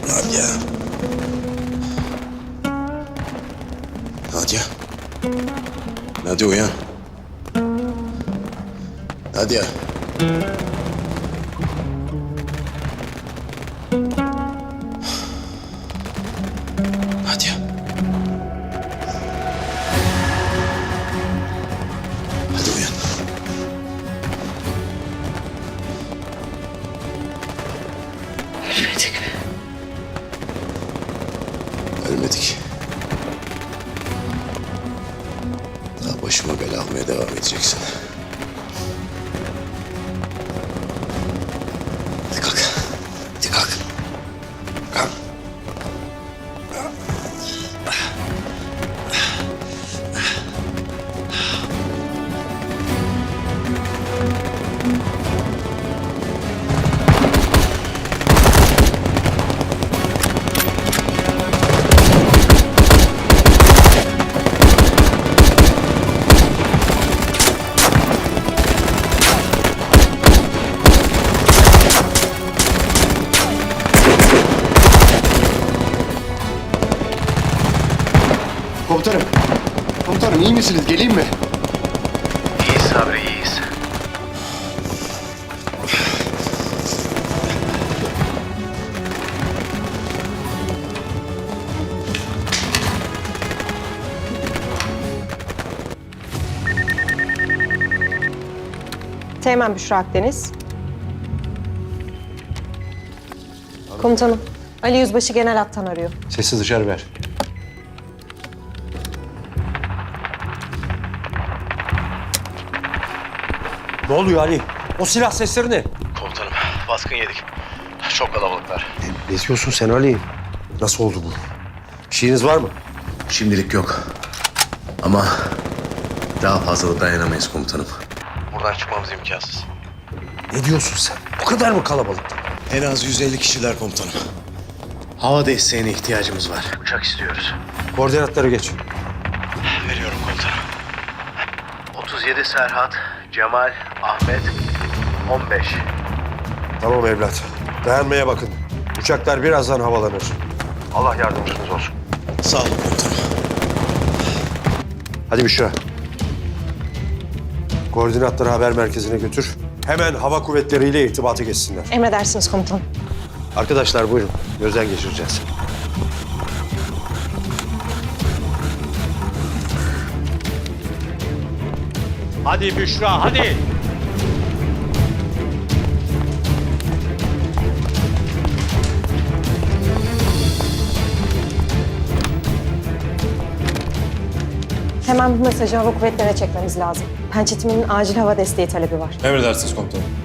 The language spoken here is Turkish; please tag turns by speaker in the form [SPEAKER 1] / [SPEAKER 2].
[SPEAKER 1] Nadia. Nadia. Nadia uyan. Nadia. Nadia. Hadi uyan.
[SPEAKER 2] Ölmedik mi?
[SPEAKER 1] Ölmedik. Daha başıma bela almaya devam edeceksin. Hadi kalk. Hadi kalk. Kalk.
[SPEAKER 3] Komutanım. Komutanım iyi misiniz? Geleyim mi?
[SPEAKER 4] İyiyiz Sabri, iyiyiz.
[SPEAKER 2] Teğmen Büşra Akdeniz. Komutanım, Ali Yüzbaşı Genel Hattan arıyor.
[SPEAKER 3] Sesi dışarı ver.
[SPEAKER 5] Ne oluyor Ali? O silah sesleri ne?
[SPEAKER 4] Komutanım, baskın yedik. Çok kalabalıklar.
[SPEAKER 5] Ne diyorsun sen Ali? Nasıl oldu bu? Bir şeyiniz var mı?
[SPEAKER 1] Şimdilik yok. Ama daha fazla dayanamayız komutanım.
[SPEAKER 4] Buradan çıkmamız imkansız.
[SPEAKER 5] Ne diyorsun sen? Bu kadar mı kalabalık?
[SPEAKER 1] En az 150 kişiler komutanım. Hava desteğine ihtiyacımız var.
[SPEAKER 4] Uçak istiyoruz.
[SPEAKER 5] Koordinatları geç.
[SPEAKER 4] Veriyorum komutanım. 37 Serhat, Cemal, Ahmet, 15.
[SPEAKER 5] Tamam evlat. Dayanmaya bakın. Uçaklar birazdan havalanır. Allah yardımcınız olsun.
[SPEAKER 1] Sağ olun komutanım.
[SPEAKER 5] Hadi Büşra. Koordinatları haber merkezine götür. Hemen hava kuvvetleriyle irtibatı geçsinler.
[SPEAKER 2] Emredersiniz komutanım.
[SPEAKER 5] Arkadaşlar buyurun. Gözden geçireceğiz. Hadi Büşra, hadi.
[SPEAKER 2] Hemen bu mesajı hava kuvvetlerine çekmemiz lazım. Pençetimi'nin acil hava desteği talebi var.
[SPEAKER 6] Emredersiniz komutanım.